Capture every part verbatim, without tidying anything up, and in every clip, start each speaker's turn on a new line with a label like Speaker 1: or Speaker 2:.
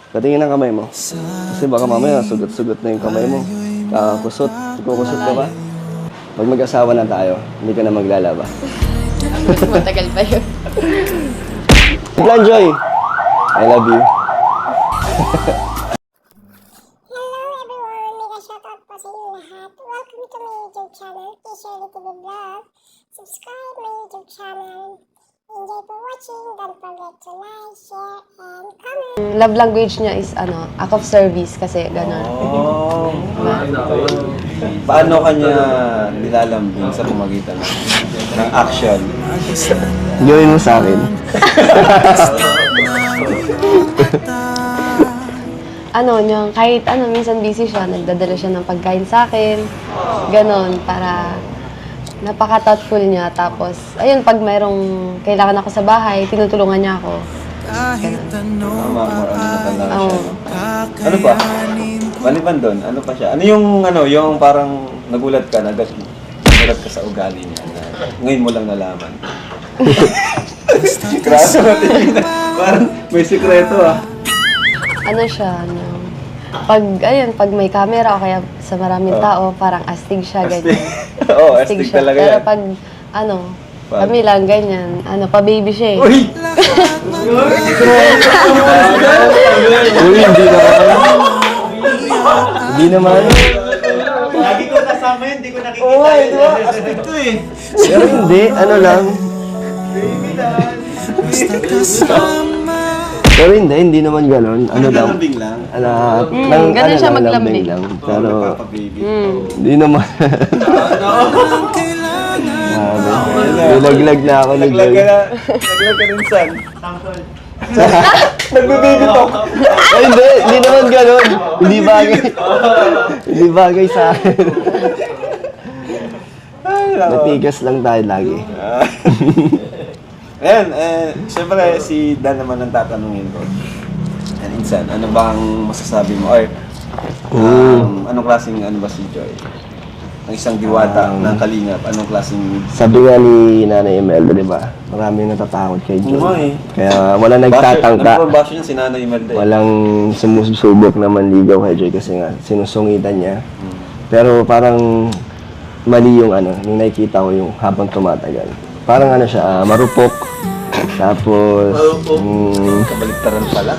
Speaker 1: Patingin ang kamay mo. Kasi baka mamaya sugot-sugot na yung kamay mo. Kakakusot. Kukusot ka ba? Pag mag-asawa na tayo, hindi ka na maglalaba.
Speaker 2: Matagal pa yun.
Speaker 1: Plan, Joy! I love you.
Speaker 3: Hello everyone! Mega shoutout po sa inyo lahat. Welcome to my YouTube channel, T-Shirley T V Vlog. Subscribe my YouTube channel. Enjoy for watching. Don't forget to like, share, and comment.
Speaker 2: Love language niya is ano, act of service kasi gano'n.
Speaker 4: Oh, paano kanya nilalambing sa pamagitan ng action?
Speaker 1: Gawin mo sa akin.
Speaker 2: Ano, yung kahit ano, minsan busy siya, nagdadala siya ng pagkain sa akin. Ganon, para napaka-thoughtful niya. Tapos, ayun, pag mayroong kailangan ako sa bahay, tinutulungan niya ako. Ganon.
Speaker 4: Tama, more ano na talaga
Speaker 2: Oo.
Speaker 4: siya. no? Ano pa? Maliban doon, ano pa siya? Ano yung, ano, yung parang nagulat ka, nag nagulat ka sa ugali niya na ngayon mo lang nalaman. Grabe natin na. Parang may sikreto ah.
Speaker 2: Ano siya, ano, pag, ayun, pag may camera o kaya sa maraming
Speaker 4: Oh.
Speaker 2: tao, parang astig siya,
Speaker 4: Astig.
Speaker 2: ganyan.
Speaker 4: Oo, astig talaga
Speaker 2: Pero
Speaker 4: yan.
Speaker 2: pag, ano,
Speaker 4: Pag-
Speaker 2: kami lang, ganyan, ano, pa-baby siya eh.
Speaker 4: Uy!
Speaker 1: Uy, hindi naman. Hindi naman.
Speaker 5: Lagi ko kasama yun, hindi ko nakikita
Speaker 4: Oo, oh,
Speaker 5: yun.
Speaker 4: di ba? Astig to eh.
Speaker 1: Pero hindi, ano lang. Pero hindi, hindi naman ganon. Ano lang.
Speaker 4: Lambing lang.
Speaker 1: Ano,
Speaker 2: Mm,
Speaker 1: nang,
Speaker 2: ganun
Speaker 1: ano
Speaker 2: siya
Speaker 1: lang,
Speaker 2: maglambing.
Speaker 1: lang.
Speaker 4: Pero,
Speaker 1: Pero,
Speaker 4: nagpapababy.
Speaker 2: Mm.
Speaker 1: hindi naman. Grabe. Nilaglag na ako ni
Speaker 4: Naglag
Speaker 1: Joy.
Speaker 4: ka na. Naglag ka rin san. Nagbe-baby talk.
Speaker 1: Ay, hindi, hindi naman ganon. Hindi bagay. Hindi bagay sa akin.
Speaker 4: Ay, nako.
Speaker 1: Matigas lang tayo lagi.
Speaker 4: Ayan, eh, siyempre si Dan naman ang tatanungin ko. And insan, ano bang masasabi mo? Or, um, anong klaseng ano ba si Joy? Ang isang diwata
Speaker 1: Um,
Speaker 4: ng Kalingap, anong klaseng...
Speaker 1: Sabi nga ni Nanay Imelda, di ba? Maraming natatakot kay Joy.
Speaker 4: Oo nga eh.
Speaker 1: Kaya wala nagtatangka.
Speaker 4: Basher, number basher niya si Nanay Imelda eh.
Speaker 1: Walang sumusubok na manligaw kay Joy kasi nga sinusungitan niya. Pero parang mali yung ano, yung nakikita ko yung habang tumatagal. Parang ano siya, ah, marupok. Tapos, mm,
Speaker 4: Kabaliktaran pala.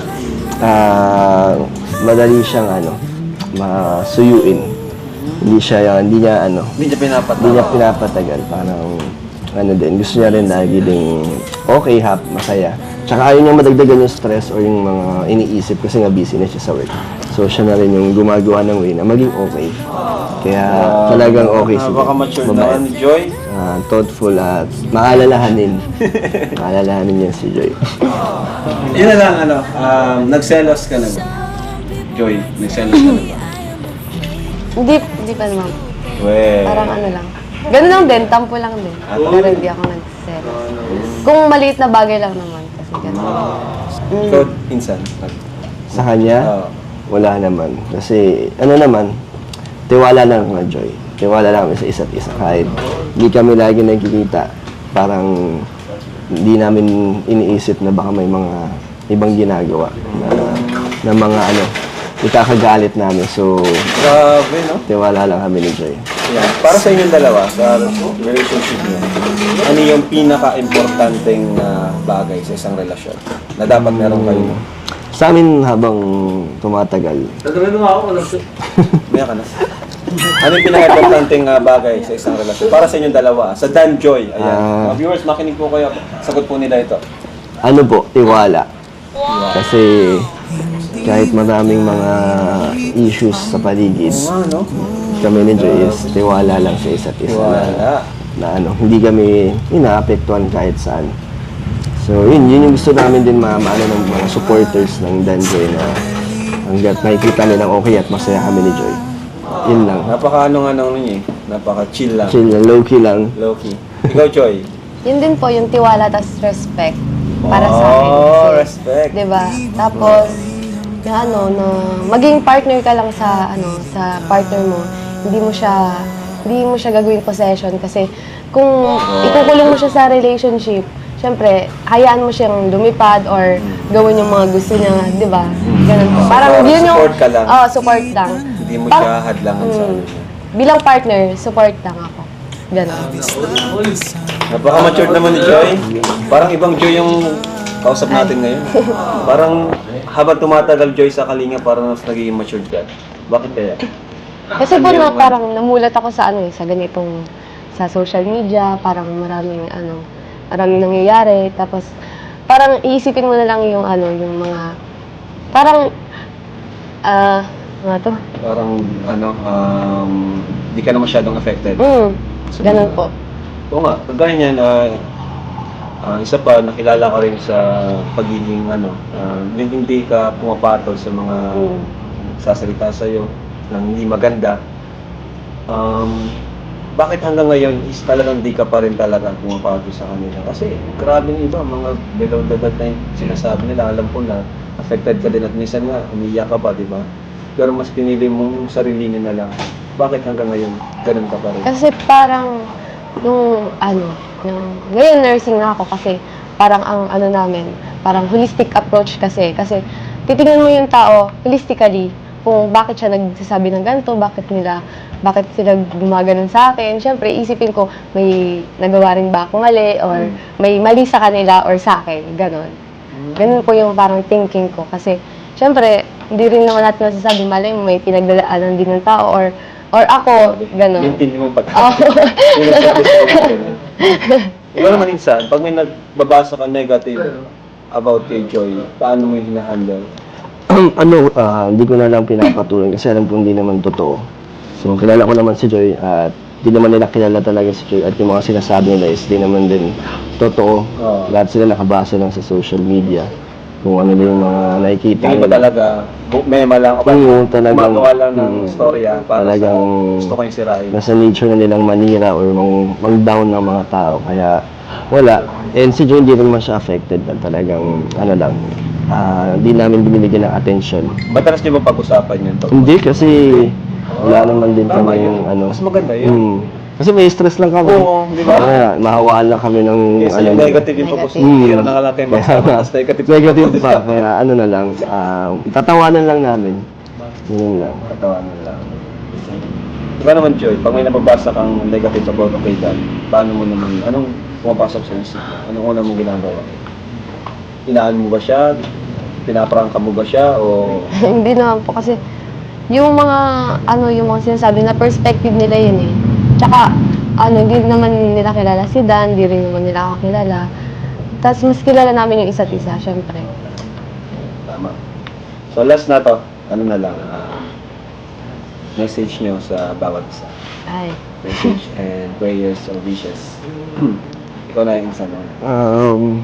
Speaker 1: ah, madali siyang ano, masuyuin. Hindi siya, hindi niya ano,
Speaker 4: Hindi niya pinapatawa.
Speaker 1: hindi niya pinapatagal. Parang ano din, gusto niya rin lagi ding okay, hap, masaya. Tsaka ayaw niya madagdagan yung stress or yung mga iniisip kasi nga busy na siya sa work. So siya na rin yung gumagawa ng way na maging okay. Kaya talagang okay si
Speaker 4: Napaka-mature
Speaker 1: babae.
Speaker 4: naman ni Joy.
Speaker 1: Ah, thoughtful at maalalahanin. Maalalahanin niya si Joy.
Speaker 4: Yun na lang, ano, um, nagselos ka na ba? Joy, nagselos ka na ba?
Speaker 2: Hindi, hindi pa naman.
Speaker 4: Well,
Speaker 2: Parang ano lang. Ganun lang din, tampo lang din.
Speaker 4: Ah,
Speaker 2: Pero hindi ako nag-selos. Kung maliit na bagay lang naman, kasi ganun.
Speaker 4: ikaw, insan.
Speaker 1: Sa kanya,
Speaker 4: Oo.
Speaker 1: wala naman. Kasi ano naman, tiwala lang na Joy. Tiwala lang kami sa isa't isa. Kahit hindi kami lagi nagkikita, parang hindi namin iniisip na baka may mga ibang ginagawa na, na mga ano, ikakagalit namin. So,
Speaker 4: Grabe, no?
Speaker 1: tiwala lang kami ni Joy.
Speaker 4: Yeah. Para sa inyong dalawa, sa relationship niyo, ano yung pinaka-importanteng uh, bagay sa isang relasyon na dapat meron kayo?
Speaker 1: Sa amin habang tumatagal,
Speaker 4: Maya ka na. Ano yung pinaka-importanteng uh, bagay sa isang relasyon? Para sa inyong dalawa, sa Dan Joy. Ayan.
Speaker 1: Ah.
Speaker 4: Mga viewers, makinig po kayo. Sagot po nila ito.
Speaker 1: ano po, tiwala. Kasi kahit maraming mga issues sa paligid,
Speaker 4: Ano?
Speaker 1: kami ni Joy is tiwala lang sa isa't isa.
Speaker 4: Tiwala.
Speaker 1: Na, na ano, hindi kami inaapektuhan kahit saan. So yun, yun yung gusto namin din ma maano ng mga supporters ng Dan Joy na hanggat nakikita nilang okay at masaya kami ni Joy. Yun lang.
Speaker 4: Napaka ano nga nung niya eh. Napaka chill lang.
Speaker 1: Chill lang, low-key lang.
Speaker 4: Low-key. Ikaw, Joy.
Speaker 2: Yun din po, yung tiwala tas respect para sa akin.
Speaker 4: Oh,
Speaker 2: Kasi,
Speaker 4: respect.
Speaker 2: Diba? Tapos, yung ano, na maging partner ka lang sa, ano, sa partner mo, hindi mo siya, hindi mo siya gagawing possession kasi kung ikukulong mo siya sa relationship, syempre, hayaan mo siyang lumipad or gawin yung mga gusto niya, di ba? Ganun po. Parang
Speaker 4: parang
Speaker 2: yun yung...
Speaker 4: support ka lang.
Speaker 2: Oo, support lang.
Speaker 4: Hindi mo
Speaker 2: Parang-
Speaker 4: siya hadlangan sa ano.
Speaker 2: Bilang partner, support lang ako. Ganun.
Speaker 4: Napaka-mature naman ni Joy. Parang ibang Joy yung kausap natin ngayon. Parang habang tumatagal Joy sa Kalinga, parang mas nagiging mature ka. Bakit kaya?
Speaker 2: Kasi po na parang namulat ako sa ano eh, sa ganitong sa social media, parang maraming ano, maraming nangyayari, tapos parang iisipin mo na lang yung ano, yung mga parang ah, ano to?
Speaker 4: Parang ano, um, di ka na masyadong affected.
Speaker 2: Mm, ganun po.
Speaker 4: Oo nga, kagaya niyan, ah, ah, isa pa, nakilala ko rin sa pagiging ano, ah, hindi hindi ka pumapatol sa mga
Speaker 2: Mm.
Speaker 4: sasalita sa'yo ng hindi maganda. Um, bakit hanggang ngayon is talagang di ka pa rin talaga pumapatol sa kanila? Kasi grabe yung iba, mga below the belt na yung sinasabi nila, alam ko na affected ka din at minsan nga, umiiyak ka pa, di ba? Pero mas pinili mong sarilinin na lang. Bakit hanggang ngayon, ganun ka pa rin?
Speaker 2: Kasi parang nung ano, yung, ngayon nursing na ako kasi parang ang ano namin, parang holistic approach kasi. Kasi titingnan mo yung tao holistically kung bakit siya nagsasabi ng ganito, bakit nila, bakit sila gumaganon sa akin. Siyempre, isipin ko, may nagawa rin ba ako mali or may mali sa kanila or sa akin, ganon. Ganun po yung parang thinking ko kasi siyempre, hindi rin naman natin masasabi mali, may pinagdadaanan din ng tao or or ako, ganon.
Speaker 4: Maintindihan mo pag
Speaker 2: Oh.
Speaker 4: Ikaw naman insan, pag may nagbabasa ka negative about kay Joy, paano mo yung hinahandle?
Speaker 1: ano, ah, hindi ko na lang pinapatuloy kasi alam ko hindi naman totoo. So, kilala ko naman si Joy at di naman nila kilala talaga si Joy at yung mga sinasabi nila is di naman din totoo.
Speaker 4: Oo.
Speaker 1: Lahat sila nakabasa lang sa social media kung ano din yung mga nakikita
Speaker 4: Hindi ba
Speaker 1: nila.
Speaker 4: talaga, bu- mema lang o ba?
Speaker 1: Oo, talagang-
Speaker 4: Gumagawa lang ng
Speaker 1: Mm.
Speaker 4: storya para
Speaker 1: Talagang-
Speaker 4: sa gusto ko yung sirain.
Speaker 1: Nasa nature na nilang manira or mang, mang-down ng mga tao. Kaya wala. And si Joy hindi rin naman siya affected na talagang ano lang. ah, Hindi namin binibigyan ng attention.
Speaker 4: Madalas niyo ba pag-usapan yun? Tol?
Speaker 1: Hindi kasi wala naman din
Speaker 4: Tama
Speaker 1: kami
Speaker 4: yun.
Speaker 1: yung ano.
Speaker 4: Mas maganda yun.
Speaker 1: Hmm. Kasi may stress lang kami.
Speaker 4: Oo, di ba?
Speaker 1: Kaya mahawaan lang kami ng
Speaker 4: Kasi
Speaker 1: ano.
Speaker 4: yung negative yung pag-usapan.
Speaker 1: Hmm.
Speaker 4: Hindi na lang kayo
Speaker 1: Kaya
Speaker 4: magsama.
Speaker 1: nga,
Speaker 4: Mas negative.
Speaker 1: negative pa. Kaya ano na lang. ah, tatawanan lang namin. Yun lang.
Speaker 4: Katawanan lang. Diba naman, Joy, pag may nababasa kang negative about kay Dan, paano mo naman, anong pumapasok sa isip mo? Anong una mong ginagawa? Inaan mo ba siya? Pinaprangka mo ba siya? O
Speaker 2: Hindi naman po kasi yung mga ano yung mga sinasabi na perspective nila yun eh. Tsaka ano hindi naman nila kilala si Dan, hindi rin naman nila ako kilala. Tapos mas kilala namin yung isa't isa, syempre.
Speaker 4: tama. So last na to, ano na lang, ah, message nyo sa bawat isa.
Speaker 2: Ay.
Speaker 4: Message and prayers or wishes. Ikaw na yung isa mo.
Speaker 1: Um,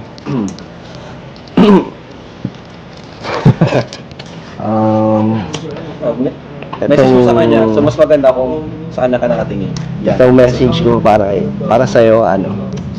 Speaker 1: um,
Speaker 4: Oh, me- message mo sa kanya. So mas maganda kung sa kanya ka nakatingin. Yan.
Speaker 1: Itong message ko para para sa iyo ano.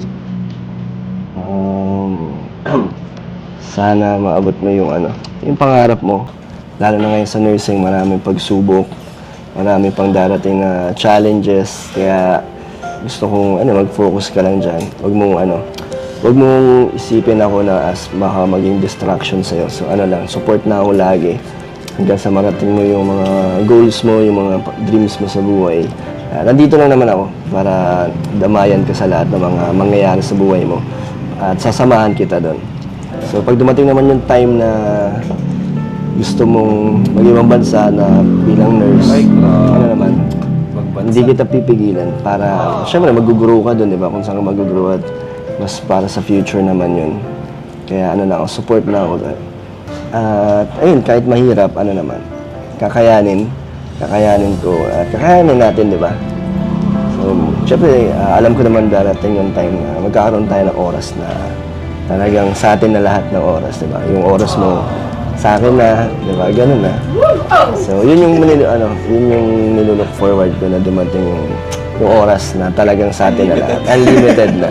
Speaker 1: Um, sana maabot mo yung ano, yung pangarap mo. Lalo na ngayon sa nursing, maraming pagsubok, marami pang darating na challenges. Kaya gusto kong ano, mag-focus ka lang diyan. Huwag mong ano, huwag mong isipin ako na as baka maging distraction sa iyo. So ano lang, support na ako lagi. Hanggang sa marating mo yung mga goals mo, yung mga pa- dreams mo sa buhay. Ah, nandito lang naman ako para damayan ka sa lahat ng mga mangyayari sa buhay mo. At sasamahan kita doon. So pag dumating naman yung time na gusto mong mag-ibang bansa na bilang nurse,
Speaker 4: Ay, ah,
Speaker 1: ano naman,
Speaker 4: Magbansa.
Speaker 1: hindi kita pipigilan para, syempre mag-grow ka doon, di ba? Kung saan ka mag-grow at mas para sa future naman yun. Kaya ano na ako, support na ako doon. At ayun, kahit mahirap, ano naman, kakayanin, kakayanin ko, at kakayanin natin, di ba? So, syempre, ah, alam ko naman darating yung time na magkakaroon tayo ng oras na talagang sa atin na lahat ng oras, di ba? Yung oras mo sa akin na, di ba? Ganun na. So, yun yung, nil- ano, yun yung nilook forward ko na dumating yung, yung oras na talagang sa atin na lahat. Unlimited na.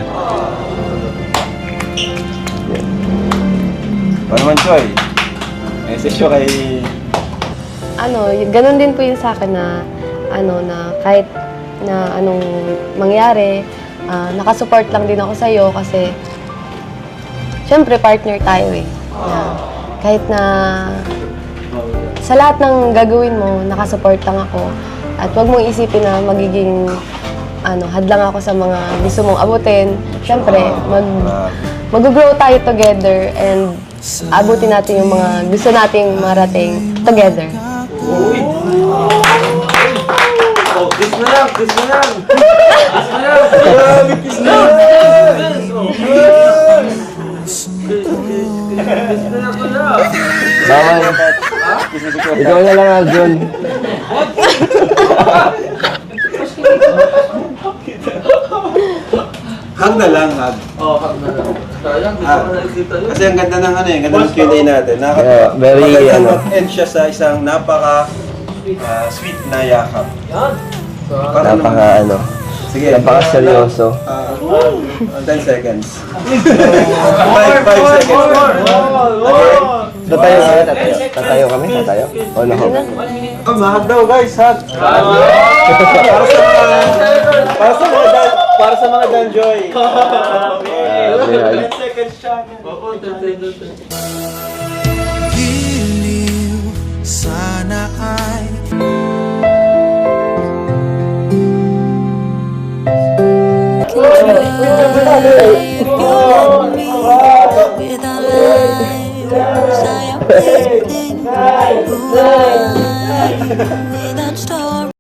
Speaker 4: Paano naman, Joy? Message ko kay...
Speaker 2: Ano, y- ganun din po yun sa akin na ano na kahit na anong mangyari, ah, nakasupport lang din ako sa iyo kasi syempre partner tayo eh. Na kahit na sa lahat ng gagawin mo, nakasupport lang ako. At huwag mong isipin na magiging ano, hadlang ako sa mga gusto mong abutin. Syempre, mag, mag-grow tayo together and abutin natin yung mga gusto nating marating together.
Speaker 5: Oh, kiss na lang, kiss na lang. Kiss na lang. Grabe, kiss na lang. Oh, kiss. Kiss na lang pala.
Speaker 1: Bawal. Ikaw na lang, Arjun.
Speaker 4: Hug na lang, hug.
Speaker 5: Oh, hug na lang. Sayang, di
Speaker 4: Ah.
Speaker 5: ko na nakikita yun.
Speaker 4: Kasi ang ganda ng ano eh, ganda ng Q and A natin. Nakaka-
Speaker 1: Yeah, very,
Speaker 4: maganda
Speaker 1: ano.
Speaker 4: mag-end siya sa isang napaka ah, sweet na yakap.
Speaker 5: Yan. So,
Speaker 4: Para
Speaker 1: Napaka ano.
Speaker 4: Sige.
Speaker 1: Napaka seryoso.
Speaker 4: Ah, ten seconds. five, five seconds. Okay.
Speaker 1: Tatayo kami, tatayo. Tatayo kami, tatayo. O, nako.
Speaker 4: Oh, mahag daw guys, hug. para sa mga, para sa mga dan, para sa mga danjoy.
Speaker 1: Yeah,
Speaker 5: seconds siya. Oo, ten seconds.
Speaker 6: Giliw, sana ay
Speaker 7: Without life, I am waiting. Without story.